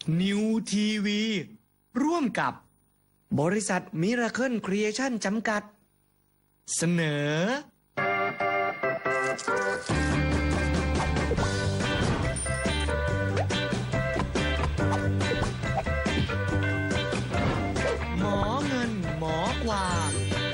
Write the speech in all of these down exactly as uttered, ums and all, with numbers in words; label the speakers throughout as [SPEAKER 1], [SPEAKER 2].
[SPEAKER 1] นิวทีวีร่วมกับบริษัทมิราเคิลครีเอชั่นจำกัดเสนอหมอเงินหมอความ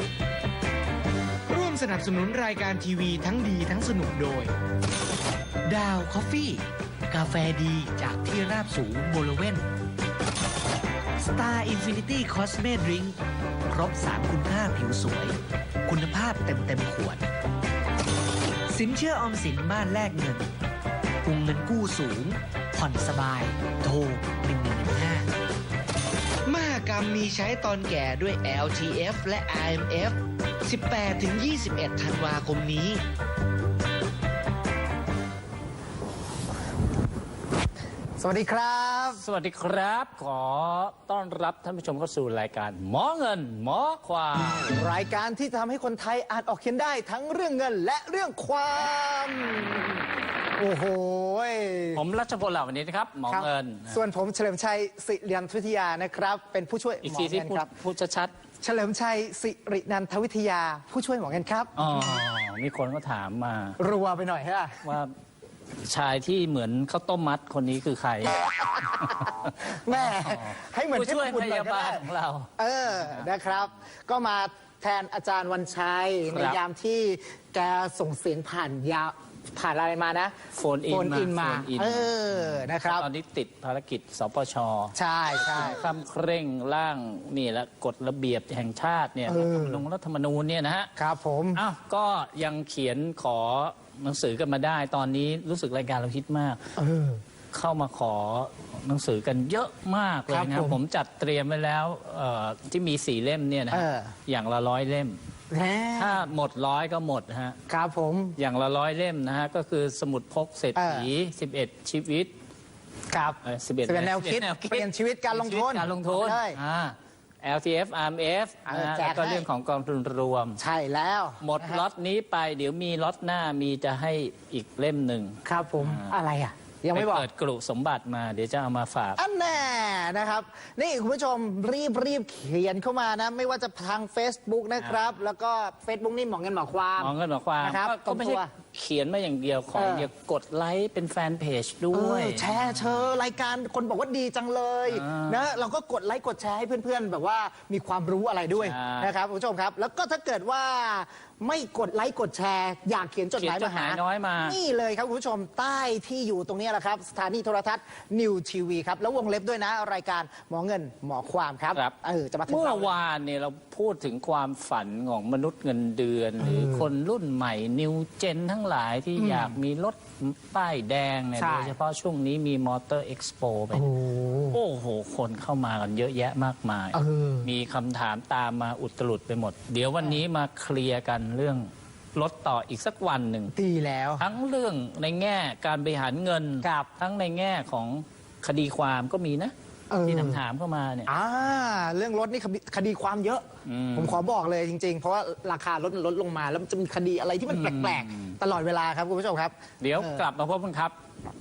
[SPEAKER 1] ร่วมสนับสนุนรายการทีวีทั้งดีทั้งสนุกโดยดาวคอฟฟี่กาแฟดีจากที่ราบสูงบริเวณ Star Infinity Cosme Drink ครบสามคุณค่าผิวสวยคุณภาพเต็มเต็มขวดสินเชื่อออมสินบ้านแลกเงินวงเงินกู้สูงผ่อนสบายโทรหนึ่งหนึ่งหนึ่งห้ามหกรรมมีใช้ตอนแก่ด้วย แอล ที เอฟ และ อาร์ เอ็ม เอฟ สิบแปดถึงยี่สิบเอ็ด ธันวาคมนี้
[SPEAKER 2] สวัสดีครับ
[SPEAKER 3] สวัสดีครับขอต้อนรับท่านผู้ชมเข้าสู่รายการหมอเงินหมอความ
[SPEAKER 2] รายการที่ทำให้คนไทยอ่านออกเขียนได้ทั้งเรื่องเงินและเรื่องความโอ้โห
[SPEAKER 3] ผมรัชพลเหล่าวันนี้นะครับหมอเงิน
[SPEAKER 2] ส่วนผมเฉลิมชัยสิรินันทวิทยานะครับเป็นผู้ช่วยหมอเงินครับ
[SPEAKER 3] พูดชัด
[SPEAKER 2] ๆเฉลิมชัยสิรินันทวิทยาผู้ช่วยหมอเงินครับ
[SPEAKER 3] อ๋อมีคนก็ถามมา
[SPEAKER 2] รัวไปหน่อยฮะ
[SPEAKER 3] ว่าชายที่เหมือนข้าวต้มมัดคนนี้คือใคร
[SPEAKER 2] แม่ให้เหมือน
[SPEAKER 3] ผู้ช่วยพยาบาลของเรา
[SPEAKER 2] เออนะครับก็มาแทนอาจารย์วันชัยในยามที่แกส่งเสียงผ่านยาผ่านอะไรมานะ
[SPEAKER 3] โฟนอิน
[SPEAKER 2] มาเออนะครับ
[SPEAKER 3] ตอนนี้ติดภารกิจสปช.
[SPEAKER 2] ใช่ใช่
[SPEAKER 3] คำเคร่งร่างนี่และกฎระเบียบแห่งชาติเนี่ยลงรัฐธรรมนูญเนี่ยนะฮะ
[SPEAKER 2] ครับผม
[SPEAKER 3] อ้าวก็ยังเขียนขอหนังสือกันมาได้ตอนนี้รู้สึกรายการเราฮิตมากเข้ามาขอหนังสือกันเยอะมากเลยนะผมผมจัดเตรียมไว้แล้วที่มีสี่เล่มเนี่ยนะอย่างละร้อยเล่มถ้าหมดร้อยก็หมดฮะ
[SPEAKER 2] ครับผม
[SPEAKER 3] อย่างละร้อยเล่มนะฮะก็คือสมุดพกเศรษฐีสิบเอ็ดชีวิต
[SPEAKER 2] ครับ
[SPEAKER 3] สิบเอ็ด
[SPEAKER 2] แนวคิดเปลี่ยนชีวิตการลงทุน
[SPEAKER 3] การลงทุน แอล ที เอฟ อาร์ เอ็ม เอฟ แล้วก็เรื่องของกองทุนรวม
[SPEAKER 2] ใช่แล้ว
[SPEAKER 3] หมดล็อตนี้ไปเดี๋ยวมีล็อตหน้ามีจะให้อีกเล่มหนึ่ง
[SPEAKER 2] ครับผมอะไรอ่ะยังไม่บอก
[SPEAKER 3] เปิดกลุ่สมบัติมาเดี๋ยวจะเอามาฝาก
[SPEAKER 2] อันแน่นะครับนี่คุณผู้ชมรีบรีบเขียนเข้ามานะไม่ว่าจะทาง Facebook นะครับแล้วก็ Facebook นี่หมอเงินหมอความ
[SPEAKER 3] หมอเงินหมอความ
[SPEAKER 2] นะครับ
[SPEAKER 3] ก็ไม่ใช่เขียนมาอย่างเดียวขออย่ากดไลค์เป็นแฟนเพจด้วย
[SPEAKER 2] แชร์เชอรายการคนบอกว่าดีจังเลยนะเราก็กดไลค์กดแชร์ให้เพื่อนๆแบบว่ามีความรู้อะไรด้วยนะครับคุณผู้ชมครับแล้วก็ถ้าเกิดว่าไม่กดไลค์กดแชร์อยากเขียนจดหมายมาหา
[SPEAKER 3] น้อยมา
[SPEAKER 2] นี่เลยครับคุณผู้ชมใต้ที่อยู่ตรงนี้แหละครับสถานีโทรทัศน์นิวทีวีครับแล้ววงเล็บด้วยนะรายการหมอเงินหมอความครับ
[SPEAKER 3] เออจะมาเมื่อวานเนี่ยเราพูดถึงความฝันของมนุษย์เงินเดือนหรือคนรุ่นใหม่นิวเจนทั้งหลายที่อยากมีรถป้ายแดงเนี่ยโดยเฉพาะช่วงนี้มีมอเตอร์เอ็กซ์โปไปโอ้โหคนเข้ามากันเยอะแยะมากมายมีคำถามตามมาอุตรุดไปหมดเดี๋ยววันนี้มาเคลียร์กันเรื่องลดต่ออีกสักวันหนึ่ง
[SPEAKER 2] ดีแล้ว
[SPEAKER 3] ทั้งเรื่องในแง่การบริหารเงินทั้งในแง่ของคดีความก็มีนะที่ถามถามเข้ามาเนี่ย
[SPEAKER 2] อ่าเรื่องรถนี่คดีความเยอะผมขอบอกเลยจริงๆเพราะว่าราคารถลดลงมาแล้วมันจะมีคดีอะไรที่มันแปลกๆตลอดเวลาครับคุณผู้ชมครับ
[SPEAKER 3] เดี๋ยวกลับมาพบกันครับ